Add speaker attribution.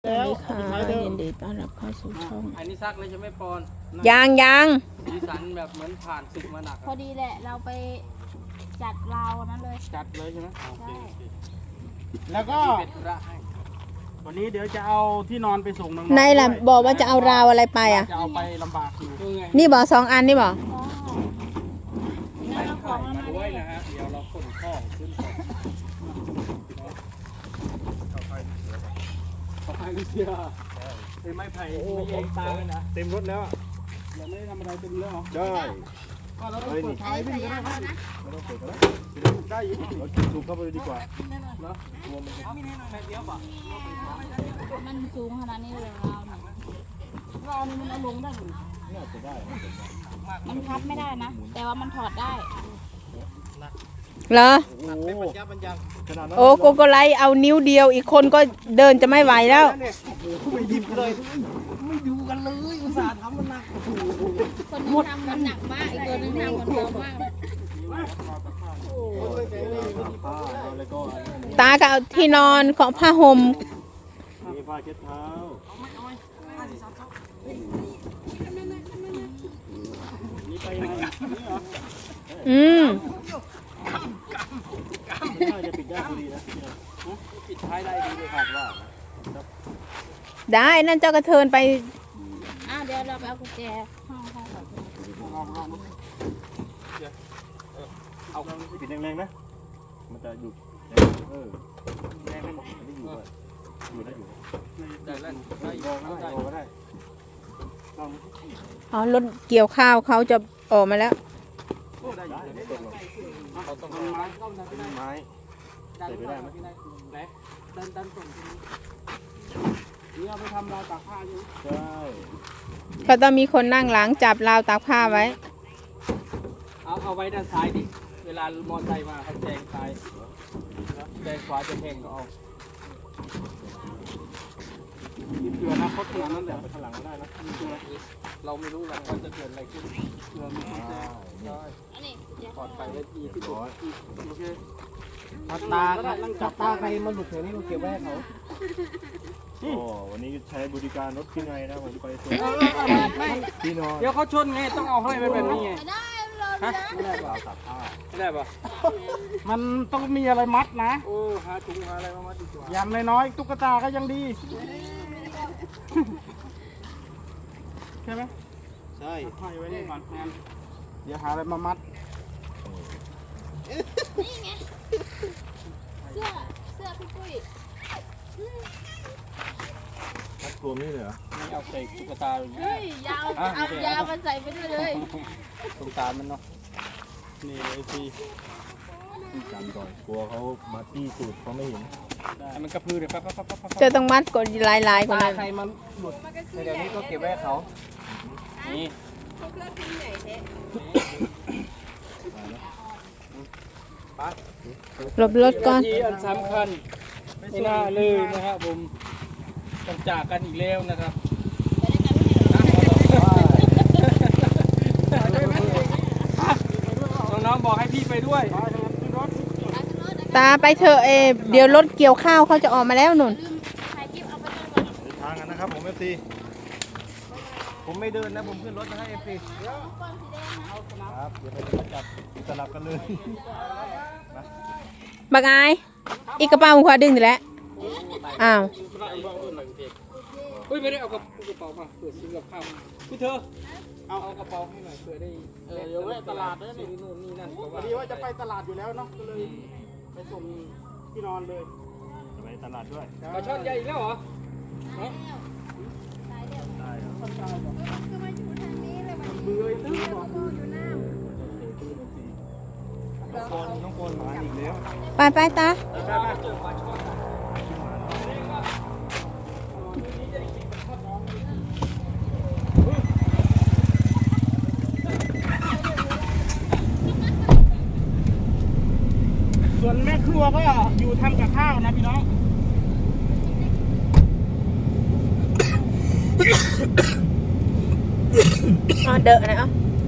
Speaker 1: สวัสดีค่ะยินดีต้อนรับเข้าสู่ช่อง
Speaker 2: อันนี้ซักเลยใช่ไหมปอน
Speaker 1: ยัง
Speaker 2: สีสันแบบเหมือนผ่านศึกมาหนัก
Speaker 3: พอดีแหละเราไปจัดเรานั้นเลย
Speaker 2: จัดเลยใช่ไหม
Speaker 3: ใช่
Speaker 4: แล้วก็
Speaker 2: เป็นธุระให้
Speaker 4: วันนี้เดี๋ยวจะเอาที่นอนไปส่งน้องๆ
Speaker 1: ในล่ะ
Speaker 4: ด้วย
Speaker 1: บอกว่าจะเอาราวอะไรไปอ่ะ
Speaker 4: จะเอาไปลำบากอยู่
Speaker 2: คือไง
Speaker 1: นี่บอก2 อันนี่บอก
Speaker 3: แล้วเราของเรา
Speaker 2: มา
Speaker 3: มา
Speaker 2: ด้วย
Speaker 3: ได้
Speaker 2: นะฮะเดี๋ยวเราขนข้องขึ้นไปเขาไปเชียร์
Speaker 4: เป็นไม้ไผ่
Speaker 2: โอ้โห
Speaker 4: ไม่เองตาเลยนะ
Speaker 5: เต็มรถแล้ว
Speaker 4: ยังไม่ได้ทำอะไรเต็มแล้วเหรอ
Speaker 5: ได้
Speaker 4: ก็เราต้องเปิดท้ายวิ่งก็ได้ครับ
Speaker 5: ไม่ต้องเปิดก็ได้
Speaker 4: ได้อยู่
Speaker 5: เราสูบเข้าไปเลยดีกว่า
Speaker 2: เอามีแน่นอนแบบเดียวป่ะ
Speaker 3: มันสูงขนาดนี้เลยเราเนี่ย
Speaker 4: เรานี่มันเอาลงได้หรือ
Speaker 5: น่าจะได้
Speaker 3: มันพับไม่ได้นะ แต่ว่ามันถอดได้
Speaker 1: เหรอ
Speaker 5: โอ้โหขนาดนั้น
Speaker 1: โอ้โกโกไลเอานิ้วเดียวอีกคนก็เดินจะไม่ไหวแล้ว
Speaker 4: ไม่ดิบเลย ไม่ดูกันเลย อุตส่าห์ทำมันหนัก
Speaker 3: คนนึงทำมันหนักมาก อีกตัวนึงทำมันเบามากเลย
Speaker 5: ผ้าแล้วก็
Speaker 1: ตาก็เอาที่นอนของผ้าห่ม
Speaker 5: มีผ้าเช็ดเท้านี่ไปไหนนี่เหรอ
Speaker 1: อืม
Speaker 5: น่าจะปิดได้พอดีนะเนี่ย
Speaker 2: ปิดท้ายได้ดีเลย
Speaker 5: คาดว่า
Speaker 1: ได้นั่นเจ้ากระเทินไป
Speaker 3: เดี๋ยวเราไปเอากุญแจห้องก่อน
Speaker 5: เอาปิดแรงๆนะ มันจะหยุดเออแรงไม่หมดมันได้อยู่ด้วยอยู่ได้อยู่
Speaker 2: ได้แล้ว
Speaker 5: ได้
Speaker 2: ได้
Speaker 5: ลองก็ได้ลองก็ได้ลอง
Speaker 1: อ๋อรถเกี่ยวข้าวเขาจะออกมาแล้ว
Speaker 5: ได้ไม่ตกหรอก
Speaker 2: เขาต้องไม้เข้านะ
Speaker 5: เป็นไม้
Speaker 2: ดันไม่ได้ไหนดันส่งทีนี้
Speaker 4: นี่เอาไปทำราวตากผ้าอยู่
Speaker 5: ใช่
Speaker 1: ก็ต้องมีคนนั่งหลังจับราวตากผ้าไว้
Speaker 2: เอาไว้ด้านซ้ายดิเวลามอเตอร์ไซค์มาเขาแซงซ้ายแซงขวาจะแทงก็เอา
Speaker 4: มีเผื่ออนาคตขนาดนั้นเลย
Speaker 5: ไปข้างหลังก็ได้นะ
Speaker 2: เราไม่รู้หรอกว่าจะเกิดอะไรขึ้น
Speaker 4: เผื่อมีคนแจ้ง
Speaker 2: ใช่
Speaker 3: อันนี้เดี๋ยว
Speaker 2: ปลอดภัยและดีที่สุด
Speaker 4: โอเคตานั่งจับตาใครมันหลุดแถวนี้ก็เก็บไว้ให้เขา
Speaker 5: โอ้วันนี้ใช้บริการรถที่ไงนะผมไปส่ง
Speaker 2: ไม่
Speaker 5: ที่นอน
Speaker 2: เดี๋ยวเขาชนไงต้องเอาห้อยไว้แบบนี้ไง
Speaker 3: ไม่ได้เรา
Speaker 2: ฮะ
Speaker 5: ไม่ได้เราตัดผ้า
Speaker 2: ไม่ได้ปะ
Speaker 4: มันต้องมีอะไรมัดนะ
Speaker 2: โอ้หาถุงหาอะไรมามัดดีกว่า
Speaker 4: อย่างน้อยๆตุ๊กตาก็ยังดี ใช่ไหม
Speaker 5: ใช่
Speaker 4: ห้อยไว้นี่ก่อนงั้นเดี๋ยวหาอะไรมามัด
Speaker 3: นี่ไง เสื้อพี่ปุ้ย
Speaker 5: มัดรวมนี่เลยเหรอ
Speaker 2: นี่เอาใส่ตุ๊กตาอย่างนี้
Speaker 3: เฮ้ยยาวเอายาวมาใส่ไปด้วยเลย
Speaker 2: ตุ๊กตามันเนาะนี่ไอ้ที่
Speaker 5: ที่จำก่อนกลัวเขามาตี้สูตรเขาไม่เห็น
Speaker 2: ให้มันกระพือเลยปั๊บปั๊บปั๊บปั๊บปั๊บ
Speaker 1: จะต้องมัดกดลายๆกว่า
Speaker 2: ตา
Speaker 1: นั้น
Speaker 2: ใครมันหลุดในเดี๋ยวนี้ก็เก็บไว้ให้เขานี่
Speaker 1: หลบรถก่อน
Speaker 2: ที่อันสำคัญไม่น่าเลยนะครับผมต้องจากกันอีกแล้วนะครับน้องๆบอกให้พี่ไปด้วย
Speaker 1: ตาไปเถอะเดี๋ยวรถเกี่ยวข้าวเขาจะออกมาแล้วนุ่น
Speaker 3: ถ่ายคลิปเอาไปต้นก่อน
Speaker 5: ในทางกันนะครับผมไม่ตี
Speaker 2: ผมไม่เดินนะผมขึ้นรถนะให้เอฟซี
Speaker 5: ครับเดี๋ยวไปจับสลับกันเลย
Speaker 1: บักอาย อีกกระเป๋าขวาดึงอยู่แล้ว อ้าว
Speaker 2: เฮ้ยไม่ได้เอากระเป๋ามาเผื่อซื้อกับข้าวพี่เธอเอากระเป๋าให้หน่อยเผื่อได้
Speaker 4: เดี๋ยวแวะตลาดด้วย
Speaker 2: ซื้
Speaker 4: นี่
Speaker 2: อนู่นนี่นั่น
Speaker 4: พอดีว่าจะไปตลาดอยู่แล้วเนาะก็เลยไปส่งที่นอนเลย
Speaker 5: จะไปตลาดด้วย
Speaker 2: ปลาช่อนใหญ่อีกแล้วเหรอ
Speaker 5: ได้ครับ
Speaker 4: เบื่อตื้อบอก
Speaker 5: น้องโกนมาอีกแล้ว
Speaker 1: ไปตา
Speaker 4: ส่วนแม่ครัวก็อยู่ทำกับข้าวนะพี่น้อง
Speaker 1: อ๋อเดอะนะ